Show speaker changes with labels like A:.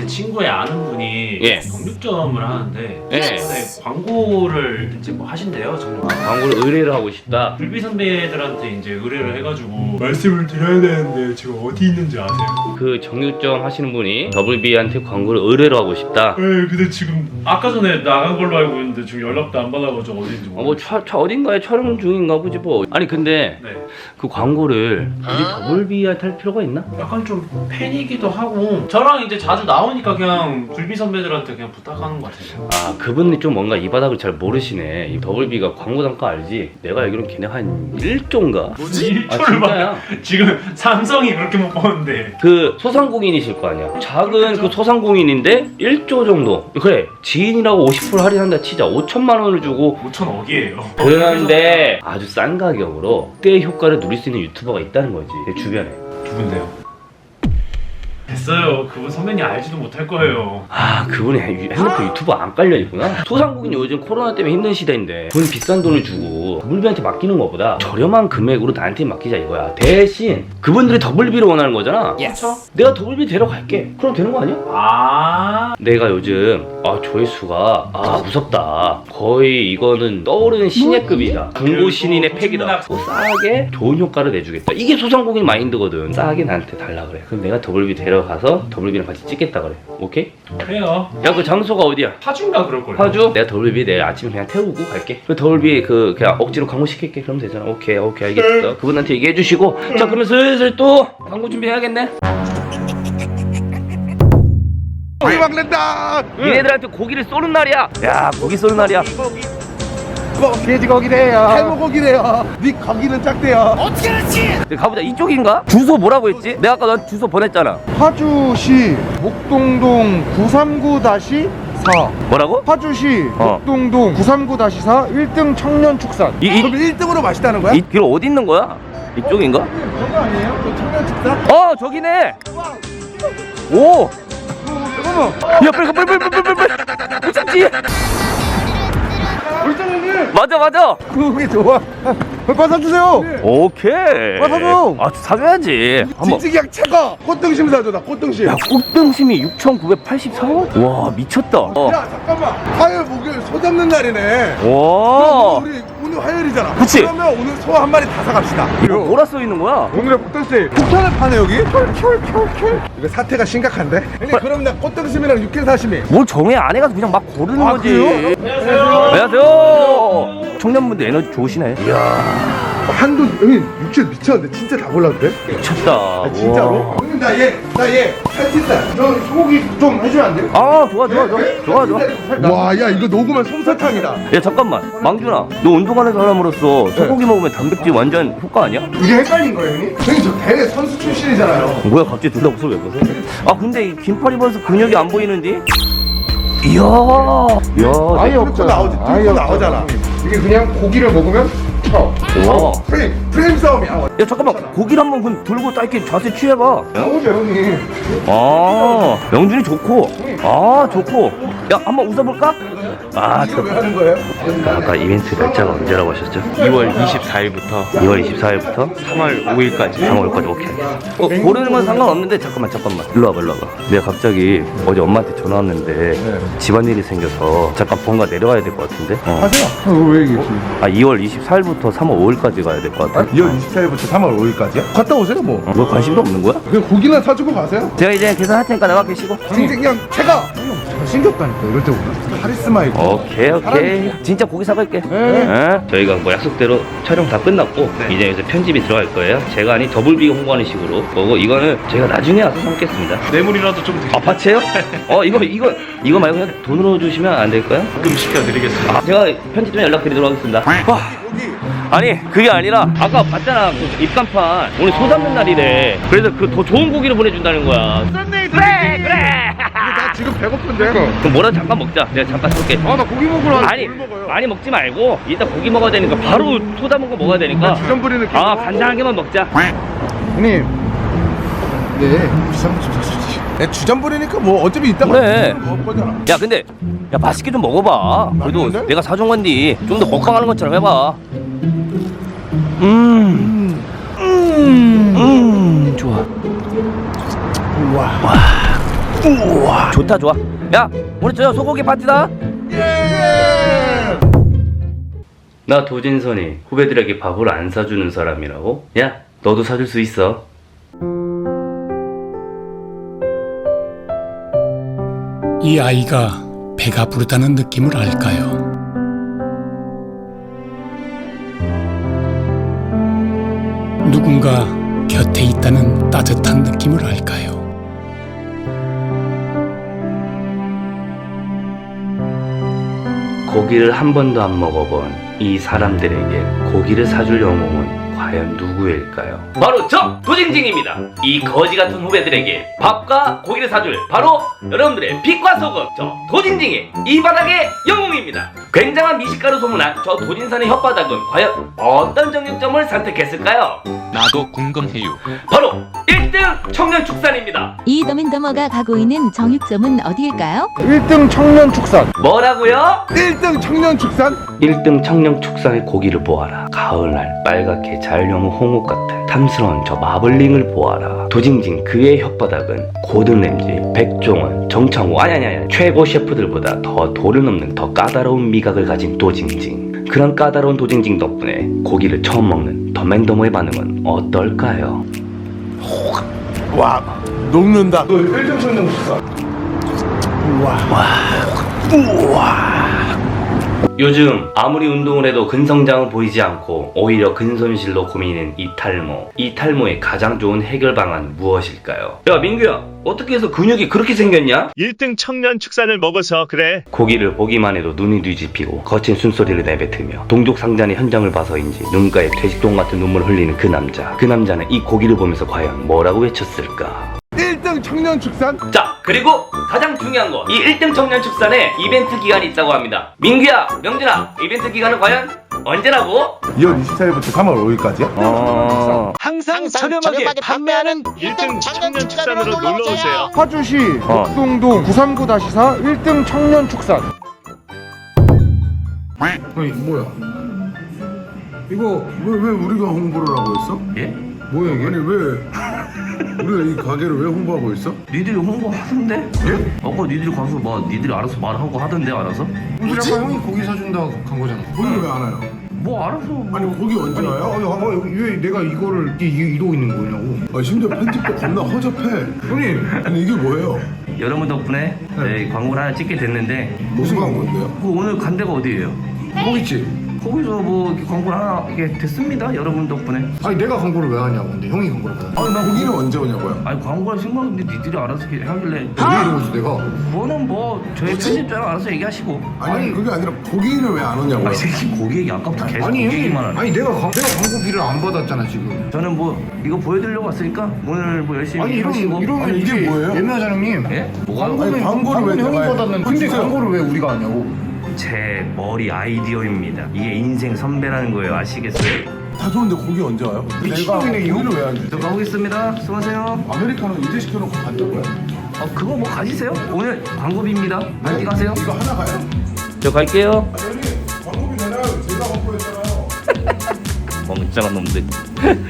A: 친구의 아는 분이
B: 예.
A: 정육점을 하는데
B: 예.
A: 최근에 광고를 이제 뭐 하신대요. 정육
B: 광고를 의뢰를 하고 싶다.
A: 불비 선배들한테 이제 의뢰를 해가지고 말씀을 드려야 되는데 지금 어디 있는지 아세요?
B: 그 정육점 하시는 분이 더블비한테 광고를 의뢰를 하고 싶다.
A: 네, 근데 지금 아까 전에 나간 걸로 알고 있는데 지금 연락도 안 받아가지고 어딘지
B: 뭐 어딘가에 촬영 중인가 보지 뭐. 아니 근데
A: 네.
B: 그 광고를 우리 더블비한테 할 필요가 있나?
A: 약간 좀 팬이기도 하고 저랑 이제 자주 나오니까 그냥 불비 선배들한테 그냥 부탁하는 것 같아요.
B: 아 그분이 좀 뭔가 이 바닥을 잘 모르시네. 이 더블비가 광고 단가 알지? 내가 알기로는 걔네 한 1조인가?
A: 뭐지?
B: 아
A: 1초를
B: 진짜야?
A: 지금 삼성이 그렇게 못 버는데
B: 그 소상공인이실 거 아니야. 작은 그 소상공인인데 1조 정도. 그래 지인이라고 50% 할인한다 치자. 5천만 원을 주고
A: 5,000억이에요.
B: 그런데 아주 싼 가격으로 그때 효과를 누릴 수 있는 유튜버가 있다는 거지 내 주변에.
A: 누군데요? 됐어요. 그분 선배님 알지도 못할 거예요.
B: 아 그분이 핸드폰 유튜버 안 깔려있구나. 소상공인 요즘 코로나 때문에 힘든 시대인데 돈 비싼 돈을 주고 더블비한테 맡기는 것보다 저렴한 금액으로 나한테 맡기자 이거야. 대신 그분들이 더블비를 원하는 거잖아.
A: 그렇죠?
B: 내가 더블비 데려갈게. 그럼 되는 거 아니야?
A: 아
B: 내가 요즘 조회수가 무섭다. 거의 이거는 떠오르는 신예급이다. 중고 신인의 팩이다. 또 싸게 좋은 효과를 내주겠다. 이게 소상공인 마인드거든. 싸게 나한테 달라 그래. 그럼 내가 더블비 데려가서 더블비랑 같이 찍겠다 그래. 오케이?
A: 그래요.
B: 야 그 장소가 어디야?
A: 파주인가 그럴걸요.
B: 파주? 내가 더블비 내일 아침에 그냥 태우고 갈게. 그 더블비 그냥 억지로 광고 시킬게. 그러면 되잖아. 오케이 알겠어. 그분한테 얘기해 주시고 자 그러면 슬슬 또 광고 준비해야겠네.
C: 고기 먹는다.
B: 얘네들한테 고기를 쏘는 날이야. 야 고기 쏘는 날이야.
C: 돼지고기래요. 해물고기래요. 네 고기는 작대요.
B: 가보자. 이쪽인가? 주소 뭐라고 했지? 내가 아까 넌 주소 보냈잖아.
C: 파주시 목동동 939-4.
B: 뭐라고?
C: 파주시 목동동 939-4 1등 청년축산. 그럼 1등으로 맛있다는 거야?
B: 이 길 어디 있는 거야? 이쪽인가?
C: 그거 아니에요? 그 청년축산?
B: 저기네. 오.
C: 잠깐만.
B: 야 빨리 못 참지.
C: 울장님
B: 맞아.
C: 그게 좋아. 빨리 사주세요.
B: 오케이.
C: 사줘.
B: 사줘야지. 한번.
C: 진즉이약 최고. 꽃등심 사줘. 나 꽃등심.
B: 야 꽃등심이 6,984원? 와 미쳤다.
C: 야 잠깐만. 화요일 목요일 소 잡는 날이네.
B: 와.
C: 우리 오늘 화요일이잖아.
B: 그치?
C: 그러면 오늘 소 한 마리 다 사갑시다.
B: 이거 뭐라 써 있는 거야?
C: 오늘의 꽃등심 폭탄을 파네 여기. 켤. 이거 사태가 심각한데? 형님 그럼 나 꽃등심이랑 육회 사시미.
B: 뭘 정해 안 해가지고 그냥 막 고르는
C: 아,
B: 거지.
C: 그래요?
B: 안녕하세요. 청년분들 에너지 좋으시네. 이야
C: 한돈 형님 육회 미쳤는데 진짜 다 골라도 돼?
B: 미쳤다.
C: 아, 진짜로?
B: 우와.
C: 형님 나얘 살찐살. 저 소고기 좀 해주면 안 돼요?
B: 좋아.
C: 와, 야 이거 녹으면 솜사탕이다.
B: 야 잠깐만 망준아 너 운동하는 사람으로서 소고기 먹으면 단백질 완전 효과 아니야?
C: 이게 헷갈린 거예요, 형님? 형님 저 대회 선수 출신이잖아요.
B: 뭐야 갑자기 둘 다 목소리 왜 벗어? 근데 이 긴팔 입어서 근육이 안 보이는데? 이야
C: 아예 없고 나오지. 뚫고 나오잖아. 이게 그냥 고기를 먹으면 쳐.
B: 와.
C: 프레임 싸움이야.
B: 야 잠깐만 고기를 한번 그럼 들고 딱 이렇게 자세 취해봐.
C: 나오죠, 형님.
B: 명준이 좋고 좋고 야 한번 웃어볼까?
C: 이거 왜 하는 거예요?
B: 아까 이벤트 날짜가 언제라고 하셨죠?
A: 2월 24일부터
B: 2월 24일부터
A: 3월 5일까지
B: 3월 5일까지 오케이. 고르는 건 상관없는데 잠깐만 일로 와봐. 내가 갑자기 어제 엄마한테 전화 왔는데 집안일이 생겨서 잠깐 본가 내려와야 될 것 같은데.
C: 하세요. 왜 얘기했지?
B: 2월 24일부터 3월 5일까지 가야 될 것 같아.
C: 2월 24일부터 3월 5일까지요? 갔다 오세요, 뭐.
B: 너 관심도 없는 거야?
C: 그냥 고기나 사주고 가세요.
B: 제가 이제 계산할 테니까 나가 계시고.
C: 진짜 그냥 제가 잘생겼다니까 이럴 때보다 카리스마 있고.
B: 오케이. 진짜 고기 사갈게. 네. 저희가 뭐 약속대로 촬영 다 끝났고 이제 여기서 편집이 들어갈 거예요. 제가 아닌 더블비 홍보하는 식으로 거고 이거는 제가 나중에 와서 삼겠습니다.
A: 뇌물이라도 좀 드릴게요.
B: 파채요? 이거 말고 그냥 돈으로 주시면 안 될까요?
A: 가끔 시켜드리겠습니다.
B: 제가 편집 좀 연락드리도록 하겠습니다. 아니 그게 아니라 아까 봤잖아 그 입간판 오늘 소 잡는 날이래. 그래서 그 더 좋은 고기를 보내준다는 거야. 그래.
C: 나 지금 배고픈데.
B: 그럼 뭐라 잠깐 먹자. 내가 잠깐 쏠게.
C: 나 고기 먹으러
B: 아니 많이 먹지 말고 이따 고기 먹어야 되니까 바로 소 잡은 거 먹어야 되니까.
C: 주전 부리는 게.
B: 간장하게만 먹자.
C: 형님. 네. 비싼 좀 사주지. 내 주전 부리니까 뭐 어차피 이따가
B: 그래.
C: 먹을 거잖아.
B: 야 근데 야 맛있게 좀 먹어봐. 그래도
C: 맛있는데?
B: 내가 사준 건데 좀 더 먹방하는 것처럼 해봐. 좋아.
C: 우와.
B: 우와 좋다 좋아. 야 오늘 저녁 소고기 파티다. 나 도진선이 후배들에게 밥을 안 사주는 사람이라고? 야 너도 사줄 수 있어.
D: 이 아이가 배가 부르다는 느낌을 알까요? 누군가 곁에 있다는 따뜻한 느낌을 알까요?
B: 고기를 한 번도 안 먹어본 이 사람들에게 고기를 사줄 영웅은 과연 누구일까요? 바로 저 도징징입니다. 이 거지 같은 후배들에게 밥과 고기를 사줄 바로 여러분들의 빛과 소금 저 도징징의 이 바닥의 영웅입니다. 굉장한 미식가로 소문난 저 도진선의 혓바닥은 과연 어떤 정육점을 선택했을까요?
E: 나도 궁금해요.
B: 바로 1등 청년축산입니다.
F: 이 더맨더머가 가고 있는 정육점은 어디일까요?
C: 1등 청년축산.
B: 뭐라고요?
C: 1등 청년축산?
B: 1등 청년축산의 고기를 보아라. 가을날 빨갛게 잘 여무 홍옥 같은 탐스러운 저 마블링을 보아라. 도징징 그의 혓바닥은 고든램지, 백종원, 정창호 아냐냐냐 최고 셰프들보다 더 도를 넘는 더 까다로운 미각을 가진 도징징. 그런 까다로운 도징징 덕분에 고기를 처음 먹는 더맨더머의 반응은 어떨까요?
C: 와, 녹는다. 1등 청년축산.
B: 요즘 아무리 운동을 해도 근성장은 보이지 않고 오히려 근손실로 고민인 이 탈모. 이 탈모의 가장 좋은 해결 방안은 무엇일까요? 야 민규야 어떻게 해서 근육이 그렇게 생겼냐?
G: 1등 청년축산을 먹어서 그래.
B: 고기를 보기만 해도 눈이 뒤집히고 거친 숨소리를 내뱉으며 동족상잔의 현장을 봐서인지 눈가에 퇴직동 같은 눈물을 흘리는 그 남자. 그 남자는 이 고기를 보면서 과연 뭐라고 외쳤을까?
C: 1등 청년축산?
B: 자 그리고 가장 중요한 거 이 1등 청년축산에 이벤트 기간이 있다고 합니다. 민규야 명준아 이벤트 기간은 과연 언제라고?
C: 2월 24일부터 3월 5일까지요?
G: 항상 저렴하게 판매하는 1등 청년축산으로 놀러오세요.
C: 파주시 목동동 939-4 1등 청년축산.
H: 아니 뭐야? 이거 왜 우리가 홍보를 하고 있어?
A: 예?
H: 뭐야 이게? 아니 왜 우리가 이 가게를 왜 홍보하고 있어?
A: 니들이 홍보하던데? 예? 아까 니들이 가서 뭐 니들이 알아서 말하고 하던데 알아서?
H: 우리 아까 형이 고기 사준다고 간 거잖아. 고기를 왜 안 와요?
A: 뭐 알아서
H: 아니 고기 언제 와요? 아니 여기 왜 내가 이거를 이러고 있는 거냐고. 아 심지어 편집도 겁나 허접해. 형님 아니 이게 뭐예요?
A: 여러분 덕분에 네, 광고를 하나 찍게 됐는데
H: 무슨 광고인데요?
A: 그 오늘 간 데가 어디예요?
H: 고깃집.
A: 거기서 뭐 이렇게 광고를 하나 이게 됐습니다 여러분 덕분에.
H: 아니 내가 광고를 왜 하냐고. 근데 형이 광고를 왜 하냐고.
A: 아니 나
H: 고기는 언제 오냐고요?
A: 아니 광고를 신고하는데 니들이 알아서 하길래
H: 왜 이러고 있어 내가?
A: 그거는 뭐 저희 편집자랑 알아서 얘기하시고.
H: 아니 그게 아니라 고기는 왜 안 오냐고요?
A: 아니 새끼 고기 얘기 아까부터 계속
H: 아니
A: 고기
H: 형님
A: 얘기만 하네.
H: 아니 내가 광고비를 안 받았잖아 지금.
A: 저는 뭐 이거 보여드리려고 왔으니까 오늘 뭐 열심히
H: 아니
A: 하시고.
H: 이러면
C: 아니, 이게 뭐예요?
H: 예매하자 형님.
A: 예? 뭐가?
H: 광고는
C: 광고를 왜
H: 형이
C: 내가
H: 받았는데 근데
C: 주세요.
H: 광고를 왜 우리가 하냐고.
A: 제 머리 아이디어입니다. 이게 인생 선배라는 거예요. 아시겠어요?
C: 다 좋은데 고기 언제 와요? 내가 고기를 왜 안
A: 저
C: 주지?
A: 가보겠습니다. 수고하세요.
C: 아메리카노 이제 시켜놓고 간다고요?
A: 그거 뭐 가지세요? 오늘 광고비입니다. 많이 가세요.
C: 이거 하나 가요?
B: 저 갈게요.
C: 아니 광고비 내놔요. 제가 광고했잖아요.
B: 멍청한 놈들.